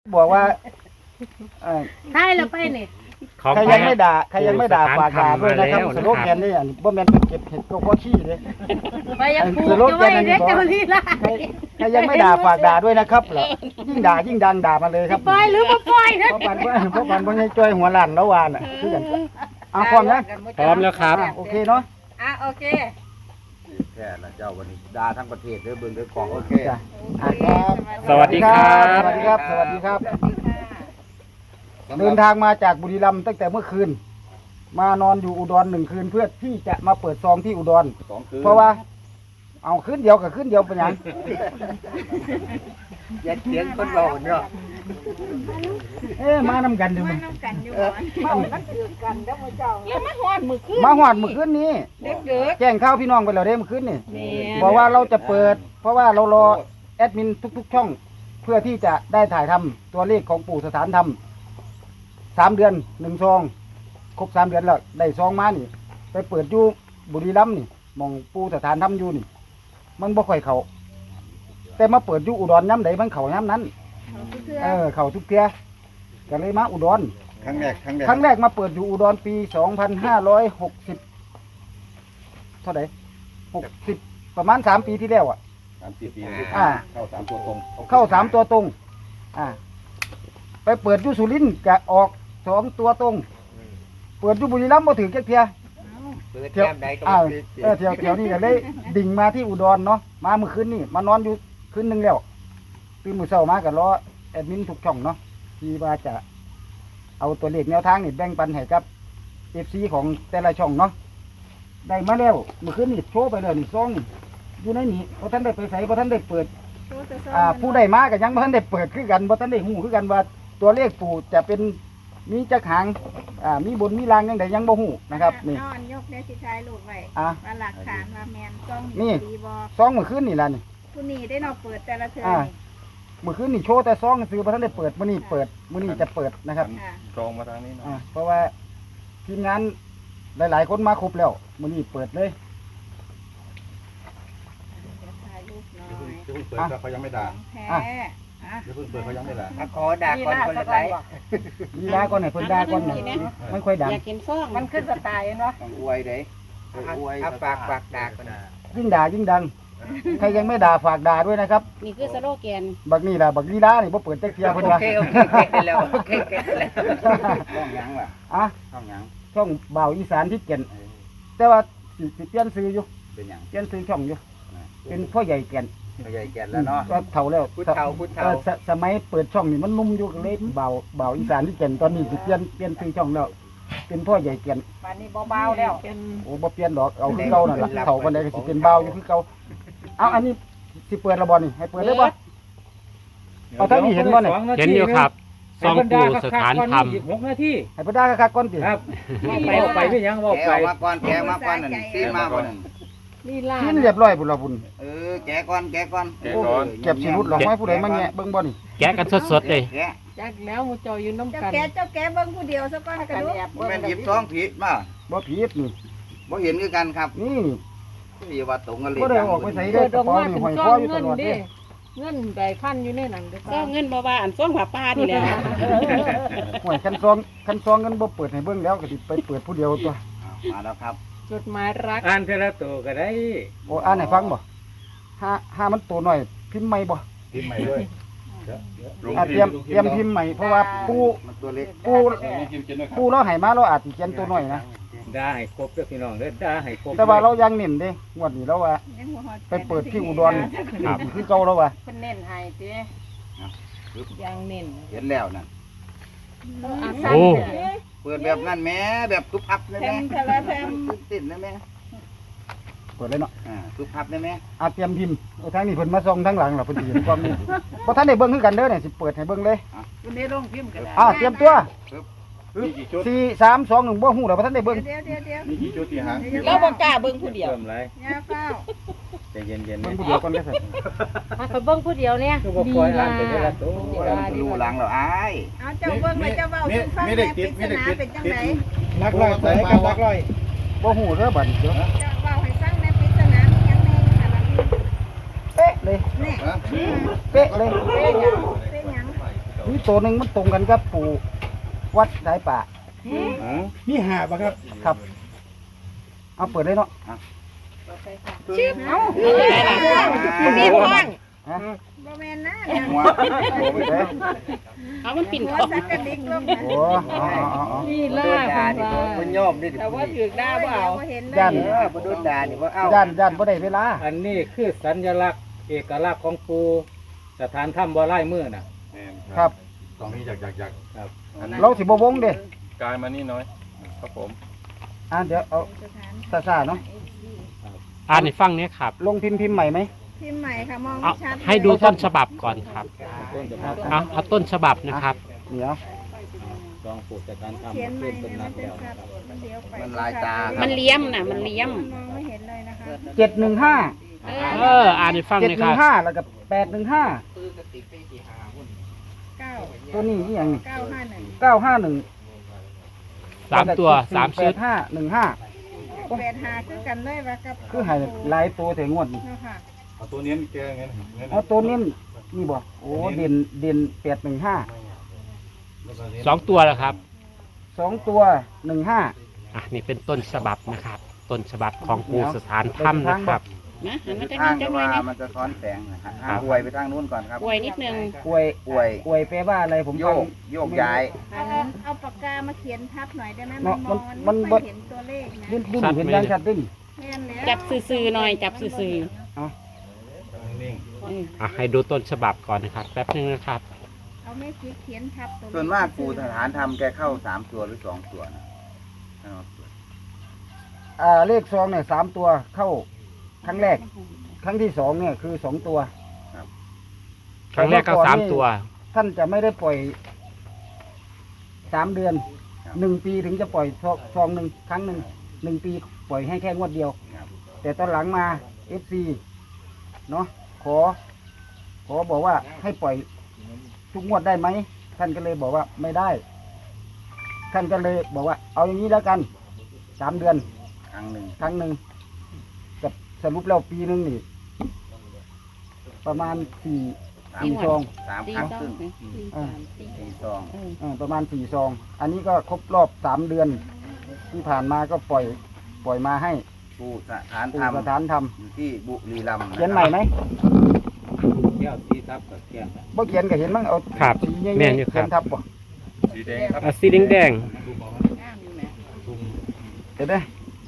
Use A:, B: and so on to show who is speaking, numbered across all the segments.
A: บอกว่า
B: ใช่แล้วไปนี่
A: ใครยังไม่ด่าฝากด่าด้วยนะครับสโลแกนนี่บ่แม่นเก็บเห็ดก็พอขี้เด้
B: ไปยังปลูกจะไว้เด็กเจ้าลีลา
A: ใครยังไม่ด่าฝากด่าด้วยนะครับยิ่งด่ายิ่งดังด่ามาเลยครับ
B: ปล่อยหรือบ่ปล่อยนะ
A: เพราะปันบ่จ้อยหัวลั่นแล้ววานคือกันเอาพร้อมนะ
C: พร้อมแล้วครับ
A: โอเคเนาะ
B: โอเค
D: แค่ละเจ้าวันนี้ด่าทั้งประเทศเด้อเบิ่งเด้อของโอเค
A: ครับ
C: สวัสดีครับ
A: สวัสดีครับเดินทางมาจากบุรีรัมย์ตั้งแต่เมื่อคืนมานอนอยู่อุดร1 คืนเพื่อที่จะมาเปิดซองที่อุดรเพราะว่าเอาคืนเดียวกับคืนเดียวเป็นยัง
D: อย่าเถียงคนเราเนาะ
A: มานำกันอยู่
B: มันน้ำกันอยู่มันถือกันแล้วมื้อเจ้าแล้วมาฮอดมื้อคืน
A: นี้
B: เด็ก
A: แจ้งข่าวพี่น้องไปแล้วเด้มื้อคืนนี่บอกว่าเราจะเปิดเพราะว่าเรารอแอดมินทุกๆช่องเพื่อที่จะได้ถ่ายทำตัวเลขของปู่สถานธรรม3 เดือน1 ซองครบ3 เดือนแล้วได้ซองมานี่ไปเปิดอยู่บุรีรัมย์นี่มองปู่สถานธรรมอยู่นี่มันบ่ค่อยเข้าแต่มาเปิดอยู่อุดรย้ำใดมันเข้าย้ำนั้นเข้าทุกเทื่อก็เลยมาอุดร
D: ครั้งแรก
A: มาเปิดอยู่อุดรปี2560เท่าไหร่60ประมาณ3 ปีที่แล้ว
D: 3-4 ปีเข้า3 ตัวตรง
A: ไปเปิดอยู่สุรินทร์ก็ออก2 ตัวตรงเปิดอยู่บุรีรัมย์บ่ถึงจักเที่ย
D: เปิดแก้มใดก็
A: เที่ยวนี้ก็เลยดิ่งมาที่อุดรเนาะมาเมื่อคืนนี่มานอนอยู่คืนนึงแล้วตื่นมื้อเช้ามาก็รอแอดมินทุกช่องเนาะที่ว่าจะเอาตัวเลขแนวทางนี่แบ่งปันให้กับ FC ของแต่ละช่องเนาะได้มาแล้วเมื่อคืนนี่โชว์ไปแล้วนี่ซองอยู่ในนี้บ่ทันได้ไปไสบ่ทันได้เปิดผู้ได้มาก็ยังบ่ทันได้เปิดคือกันบ่ทันได้ฮู้คือกันว่าตัวเลขปู่จะเป็นมีจักหางมีบนมีล่างจังไดยังบ่ฮู้นะครับนี่
B: นอนยกได้สิท้ายลูกไว้ว่าหลักฐานว่าแม่นซองดีบ่
A: ซองเมื่อคืนนี่ล่ะนี่
B: ผู้นี้ได้เนาะเปิดแต่ละเทื่อ
A: เมื่อคืนนี่โชว์แต่ซองซื้อบ่ทันได้เปิดมื้อนี้จะเปิดนะครับ
D: ซองมาทางนี้เนาะ
A: เพราะว่าทีมงานหลายๆคนมาครบแล้วมื้อนี้เปิดเลย
D: เปิดเขายังไม่ด่าเดี๋ยวเพิ่งเปิดเขายังไม่ด่า
B: ขอด่าก่อนคนละไร
A: ลีลาก่อนไหนเพิ่นด่าก่อนน่ะมันค่อยดัง
B: อยากกินฟองมันขึ้นสไตล์เนาะ
D: ต้องอวยเด้อวย
B: ฝากด่าก่อน
A: ยิ่งด่ายิ่งดังใครยังไม่ด่าฝากด่าด้วยนะครับ
B: นี่คือสโลแกน
A: บักนี่ล่ะบักลีลานี่บ่เปิดจักเที่ยเพิ่นว่า
B: โอเคแล้ว
D: ช่องหยังล่ะช่องหยัง
A: ช่องบ่าวอีสานที่เก่นแต่ว่าสิเปลี่ยนชื่ออยู่
D: เป็นหยัง
A: เปลี่ยนชื่อช่องอยู่เป็นพ่อใหญ่แก่น
D: แล้วเนาะ
A: ก็เฒ่าแล้ว
D: พุทธเฒ่า
A: สมัยเปิดช่องนี่มันนุ่มอยู่ก็เลยบ่าวอีสานที่เก่นตอนนี้สิเปลี่ยนชื่อช่องแล้วเป็นพ่อใหญ่แก่น
B: วันนี้เบาๆแล้ว
A: โอ้บ่เปลี่ยนดอกเอาคือเก่านั่นล่ะเฒ่าปานใดก็สิเป็นบ่าวอยู่คือเก่าเอาอันนี้สิเปิดละบ่นี่ให้เปิดได้บ่เอาท่านนี่เห็นบ่นี่
C: เห็นอยู่ครับซองปู่สถานธรรม
E: 6 นาที
A: ให้เพิ่นด่าคักๆก่อนติ
E: ครับไปไม่ยังว่าไป
D: มาก่อนแกมาก่อนนั่นซีมาก่อนนั่น
B: นี่ล่ะ
A: กินเรียบร้อยพุ่นล่ะพุ่น
D: แกก่อน
A: เก็บสิรุดหรอกไม้ผู้ใดมาแงะเบิ่งบ่นี่
C: แกะกันสดๆเลย
B: จักแล้วมูเจ้าอยู่น้ำกันเจ้าแกเบิ่งผู้เดียวซะก่อนกระดูก
D: แม่นหยิบซองผิดมา
A: บ่ผิดนี่
D: บ่เห็นคือกันครับ
A: นี่
D: อย่าว่าตรงกันเลย
A: บ่ได้ออกไปใส่ได้กระเป๋านี่ห้อยคออยู่ตลอดเด้
B: เงินใบพันอยู่ในนั้น
F: เด้อเงินบ่ว่าอันซ่องผ้าป่านี่แหละ
A: ห้อยคันซองเงินบ่เปิดให้เบิ่งแล้วก็สิไปเปิดผู้เดียวตัว
D: มาแล้วครับ
B: จดหมายรัก
E: อ่านเทละตัวก็ได้
A: โอ้อ่านให้ฟังบ่ห้ามันตัวหน่อยพิมพ์ใหม่บ่
D: พิมพ์ใหม่ด้วย
A: เตรียมพิมพ์ใหม่เพราะว่าปูเราให้มาเราอาจสิเขียนตัวหน่อยนะ
E: ได้ให้ครบเด้อพี่น้องเด้อได้ให้ครบ
A: แต่ว่าเรายังเน้นเด้งวดนี้เราว่าไปเปิดที่อุดรคือเก่าแล้วว่า
B: เพิ่นเน้นให้ติยังเน้น
D: เห็นแล้วนั่น
C: โอ้
D: เปิดแบบนั้นแม่แบบทุบพับได้แม่ติดได้แม่
A: เปิดเลยเนาะ
D: ทุบพับได้แม่
A: เตรียมพิมพ์ทางนี้เพิ่นมาส่งทางหลังล่ะเพิ่นสิเห็นความนี้บ่ทันได้เบิ่งคือกันเด้อเนี่ยสิเปิดให้เบิ่งเลย
B: เพิ่นได้ลงพิมพ์ก็ได้
A: เตรียมตัว4 3 2 1บ่ฮู้แล้วบ่ทันได้เบิ่ง
D: มีกี่จุดที่หาง
F: เราบ่กล้าเบิ่งผู้เดียว
B: อย่าเฝ้า
D: ใจเย็นๆ
A: เบิ่งผู้เดียวก่อนได้ซั่น
B: ไปเบิ่งผู้เดียวเนี่ย
E: ดีล่ะ
D: ดูหลังแล้วอ้าย
B: เอาเจ้าเบิ่งแล้วเจ้าเว้าสู่ฟังแม่ปริศนาเป็นจังได๋
A: ลักลอยใส่กับลักลอยบ่ฮู้เด้อบัดนี้เด้อ
B: เจ้าเว้าให้ฟังแม่ปริศนามีหยังแน่ค่ะล่ะ
A: เป๊ะเลย
B: นี่
A: เป๊ะเลย
B: เป๊ะหยัง
A: นี่ตัวหนึ่งมันตรงกันกับปู่วัดสายป่า
G: นี่หาบ่ครับ
A: ครับ เอาเปิดได้เนาะ
B: ชื่อเอา
F: มีห้อง
A: ฮะ
B: บ่แม่นนะ
D: หัว
A: เปิดได้
F: เอามันปิ่น
B: หัว
F: ของ
B: สักกระดิกลง
A: โอ้เอา
F: นี่
D: โด
F: ล่าน
D: ด่านี่บ่ยอมดิ
F: แต่ว่าถือหน้าเปล่า
B: เห็น
A: ย่าน
D: บ่โดนด่านี่บ่เอา
A: ย่านบ่ได้เวลา
E: อันนี้คือสัญลักษณ์เอกลักษณ์ของปูสถานถ้ำบ่อไล่มือน่ะ
A: ครับ
G: ตรงนี้อยาก
E: ครับ
A: เราสิบ่วงเด้
G: กายมานี่น้อย ครับผม
A: เดี๋ยวเอาซ่าๆเนาะ
C: อ่านให้ฟังเนี่ยครับ
A: ลงพิมพ์ใหม่ไหม
B: พิมพ์ใหม่ค่ะมอง
C: เอา
B: ไม่ชัด
C: ให้ดูต้นฉบับก่อนครับ
E: ต้นจะมา
C: เอาต้นฉบับนะครับ
A: เดี๋ยว
E: ลองปูสถานถ้ำ
B: เขียนใหม่
E: เพิ่มต้น
B: เนี่ย
E: นั
B: มั
E: ก
B: นเป็น
E: แล้ว
B: ชัดมันเลี้ยวไป
D: มันลายตา
F: มันเลี้ยมน่ะ มันเลี้ยม
B: มองไม่เห็นเลยนะคะ
A: 715
C: อ่านให้ฟังเนี่ยครับ
A: 715แล้วก็815
B: 9
A: ตัวนี้อีหยังนี่
B: 951
A: 951
C: สามตัวสามชุด
A: 8515
B: 85คือกันเลยว่ากับ
A: คือให้หลายตัวแต่งวดนี่
B: เนาะค่ะ
G: เอาตัวนี้แกงั้น
A: เอาตัวนี้นี่บ่โอ้เด่น815
C: 2 ตัวแล้วครับ
A: 2ตัว15
C: นี่เป็นต้นฉบับนะครับ ต้นฉบับของปูสถานถ้ำนะครับ
F: นะหันมาจะ
D: ทา
F: นี่
D: ง
F: จั
D: จะ
F: งเล
D: ว่าย
F: นะ
D: มันจะซ้อนแสงนะฮะ
C: ครับ
D: อวยไปทางนู้นก่อนครับ
F: ป่วยนิดนึง
A: อวย
D: อวย
A: อวยแปลว่าอะไรผม
D: โย
A: ฟัง
D: กโยกย้าย
B: เอาปากกามาเขียนทับหน่อยได้ไหม
A: เนาะ
B: มันมอง
A: มัน
B: ไม่เห็นตัวเลขนะ
A: ดิ้นเห็นยังชัดดิ้น
B: แม่นแล้ว
F: จับซื่อๆหน่อย จับซื่อ
G: นิ่ง
F: ๆ
C: ให้ดูต้นฉบับก่อนนะครับ แป๊บนึงนะครับ
B: เอาแม่คิดเขียนทับตัว
D: ส่วนมากปูสถานทำแกเข้า3ตัวหรือ2ตัวนะ
A: เลขซองเนี่ย3ตัวเข้าครั้งแรก ครั้งที่2เนี่ยคือ2ตัว
C: ครั้งแรกก็3 ตัว
A: ท่านจะไม่ได้ปล่อย3 เดือน1 ปีถึงจะปล่อยซองหนึ่งครั้งหนึ่ง1 ปีปล่อยให้แค่งวดเดียว แต่ตอนหลังมา FC เนาะขอบอกว่าให้ปล่อยทุกงวดได้ไหมท่านก็เลยบอกว่าไม่ได้ ท่านก็เลยบอกว่า เอาอย่างนี้แล้วกัน3 เดือน
D: ครั้งหนึ่ง
A: ครั้งหนึ่งกับสรุปแล้วปีหนึงนี่ ประมาณ4 ซอง
D: 3
F: ตี
D: ครั้ง
F: ซอ
D: ครึ่
F: ง
D: ง 4 ซอง
A: ประมาณ4 ซอง อันนี้ก็ครบรอบ3 เดือน ที่ผ่านมาก็ปล่อยมาให้
D: ปูสถาน
A: ปู่
D: ทำ
A: สถานท
D: อยู่ที่บุรีรัมย์
A: ำเขียนใหม่ไหม
E: แก้วสีทับกับแก้ว
A: บ่เขียนก็เห็นมั้งเอา
C: ครับ
A: สีใหญ่
C: แม่นอยู่
A: ๆ
C: ครั
A: เขี
C: บ
A: ยนทับบ่
G: สีแดงครับ
C: สีแดง
A: เห็นไหม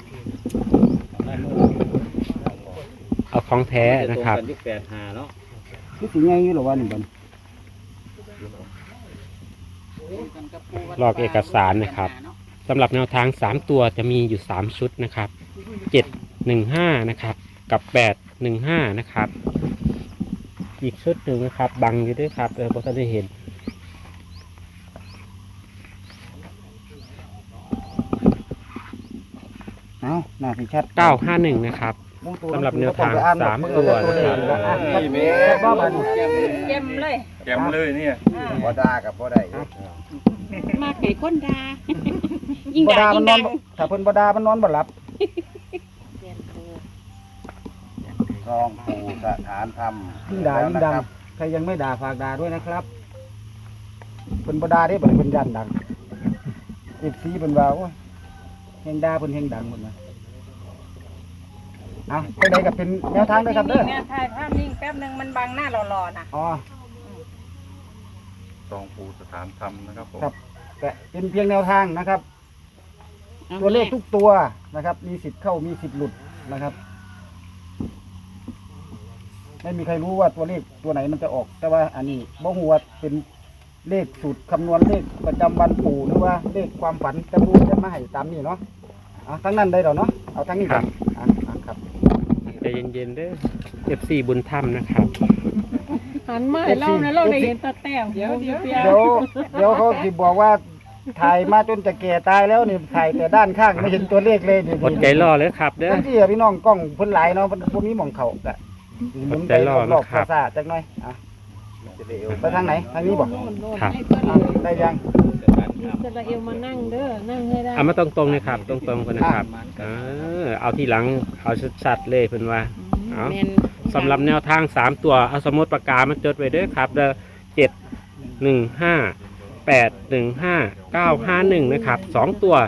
C: เอาของแท้นะครับ
E: ตงกัที่85เนาะ
A: คือสีใหญ่อยู่หรอวะนี่บัน
C: ลอกเอกสารนะครับสำหรับแนวทาง 3 ตัวจะมีอยู่ 3 ชุดนะครับ 715 นะครับ กับ 815 นะครับ อีกชุดหนึ่งนะครับ บังอยู่ด้วยครับเพราะท่านได้เห็น
A: เอาหน้าสีชัด
C: 951 นะครับ สำหรับแนวทาง3 ตัวนะครับ
A: นี่แม่บ้าบัน
F: เยี่ยมเลย
G: แกมเลยเนี่ย
D: บ่ด่ากับบ่ได้
F: มากไก่ก้นดา ยิ่ง
A: บ่
F: ด่า
A: ดามั
F: ยิ่
A: น
F: ง
A: นอ
F: ดั
A: น
F: ง
A: ถ้าเพิ่นบ่ดามันนอนบ่หลับ
D: ซองปูสถานทำ
A: ยิ่งด่ายิ่งดัง ใครยังไม่ด่าฝากด่าด้วยนะครับเพิ่นบ่ด่าได้บ่ได้เพิ่นยันดัง FC เพิ่นว่าโอ้ยแฮงด่าเพิ่นแฮงดังหมดนะเอาไปไหนก็เป็นแนวทางเด้อครับเด้อ
F: แม่ถ่ายภาพนิ่งแป๊บนึงมันบังหน้าหล่อๆน่ะ
A: อ๋อ
G: ซองปูสถานธรรมนะครับผม
A: ครับแต่เป็นเพียงแนวทางนะครับ ตัวเลขทุกตัวนะครับ มีสิทธิ์เข้ามีสิทธิ์หลุดนะครับ ไม่มีใครรู้ว่าตัวเลขตัวไหนมันจะออก แต่ว่าอันนี้บ่ฮู้ว่าเป็นเลขสูตรคำนวณเลขประจำวันปู่หรือว่าเลขความฝันแต่ปู่จะมาให้ตามนี้เนาะเอาทั้งนั้นได้หรอเนาะเอาทั้งนี้ก่อนครับ
C: ใจเย็นๆเด้อ FC บุญถ้ำนะครับ
F: หันมาให้เล่านะเราได้เห็นตาแต้มเดี๋ยว
A: เดี๋ยวเขาสิบอกว่าถ่ายมาจนจะแก่ตายแล้วนี่ถ่ายแต่ด้านข้างไม่เห็นตัวเลขเลยนี่
C: อดใจรอเลยครับเด้อ
A: ทั้งที่พี่น้องกล้องเพิ่นหลายเนาะเพิ่นมีหม่องเขากะหมุนไป
C: อดใจรอ
A: รอบ
C: นะครับ
A: ๆซ่าๆจักหน่อยไปทางไหนทางนี้บ่
C: ครับ
A: ได้ยัง
E: สถานถ้ำ
H: จะละเอวมานั่งเด้อ นั่งให้ได้
C: เอามาตรงๆนะครับ ตรงๆกันนะครับเอาที่หลังเอาชัดๆเลยเพิ่นว่า เอา
F: แม่น
C: สำหรับแนวทาง 3 ตัวเอาสมุดปากกามาจดไว้เด้อครับเด้อ 815 นะครับ2ตัว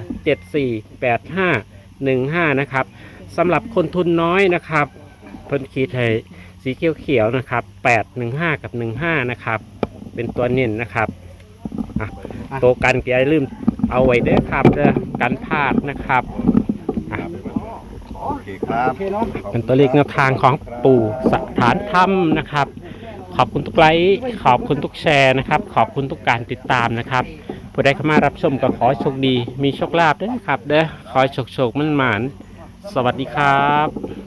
C: 748515นะครับสำหรับคนทุนน้อยนะครับเพิ่นขีดให้สีเขียวๆนะครับ815กับ15นะครับเป็นตัวเน้นนะครับตัวกันอย่าลืมเอาไว้เด้อครับเด้อกันพลาดนะครับ
D: โอเคครับ
A: โอเคเนาะ
C: เป็นตัวเลขแนวทางของปู่สถานธรรมนะครับ ขอบคุณทุกไลค์ขอบคุณทุกแชร์นะครับขอบคุณทุกการติดตามนะครับผู้ใดเข้ามารับชมก็ขอให้โชคดีมีโชคลาภด้วยนะครับเด้อขอให้โชคๆมั่นหมานสวัสดีครับ